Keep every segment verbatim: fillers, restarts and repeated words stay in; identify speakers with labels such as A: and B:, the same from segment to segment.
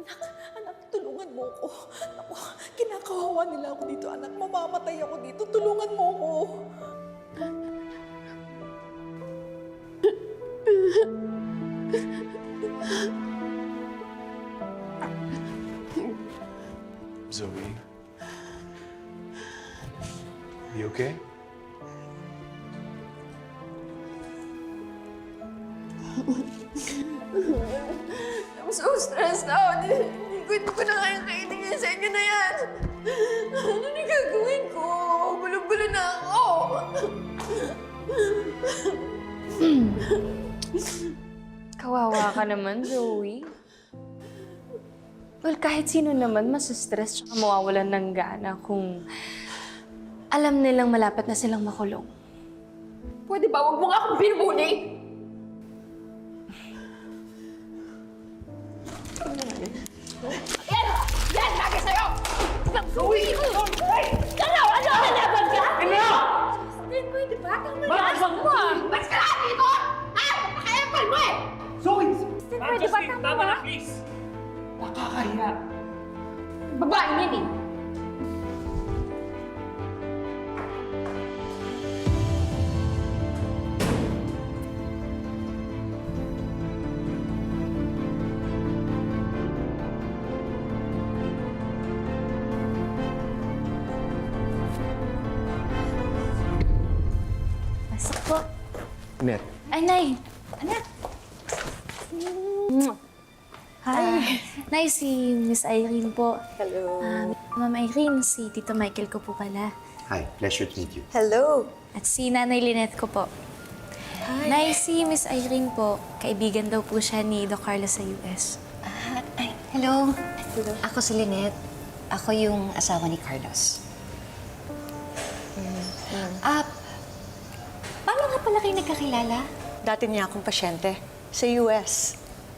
A: Anak, anak, tulungan mo ko. Ako, kinakawawa nila ako dito, anak. Mamamatay ako dito. Tulungan mo ko.
B: Zoe. You okay?
C: I'm so stressed out. Hindi ko, hindi ko na kaya kainin sa inyo na yan. Ano na gagawin ko? Gulo-gulo na ako.
D: Kawawa ka naman, Zoe. Well, kahit sino naman masustress at mawawalan ng gana kung alam nilang malapit na silang makulong.
C: Pwede ba? Huwag mo nga akong binubuli. Yan! Yan! Lagi sa'yo! Zoe! Ano? Ano? Nalaban ka? Ano? Justin, pwede ba? Tama yan! Bakit mo ah? Mas ka lahat dito! Ha? Naka-epal mo eh!
E: Zoe!
C: Justin, pwede ba? Tama
E: na, please! Nakakahiya.
C: Babae yan eh.
D: Pasok po.
B: Net.
D: Ay, Nay. Anak. Hi. Nay, si Miss Irene po.
A: Hello.
D: Um, Ma'am Irene, si Tito Michael ko po pala.
F: Hi, pleasure to meet you.
A: Hello.
D: At si Nanay Lynette ko po. Nay, si Miss Irene po, kaibigan daw po siya ni Doc Carlos sa U S.
G: Ah, ay, hello. Ako si Lynette. Ako yung asawa ni Carlos. Ah, paano nga pala kayo nagkakilala?
H: Dati niya akong pasyente sa U S.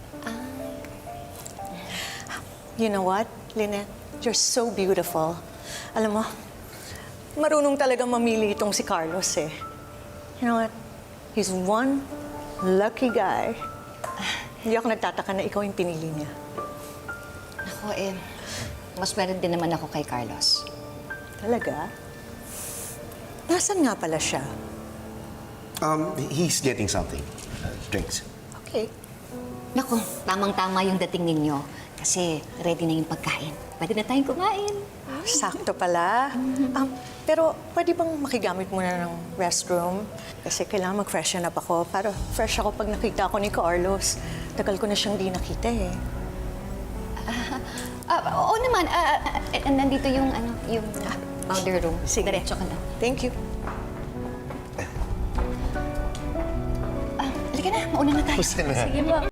H: You know what, Lynette? You're so beautiful. Alam mo, marunong talagang mamili itong si Carlos eh. You know what? He's one lucky guy. Hindi ako nagtataka na ikaw yung pinili niya.
G: Ako eh, mas meron din naman ako kay Carlos.
H: Talaga? Nasaan nga pala siya?
F: Um, he's getting something. Uh, drinks.
H: Okay.
G: Naku, tamang-tama yung dating ninyo. Kasi ready na yung pagkain. Pwede na tayong kumain.
H: Sakto pala. Um, pero pwede bang makigamit muna ng restroom? Kasi kailangan mag-freshen up ako para fresh ako pag nakita ako ni Carlos. Tagal ko na siyang di nakita eh.
G: Ah, oo naman. Ah, ah, ah, nandito yung, ano, yung ah, powder room.
H: Sige.
G: Diretso ka lang.
H: Thank you.
G: Ah, halika na. Mauna na tayo.
F: Basta na.
D: Sige po.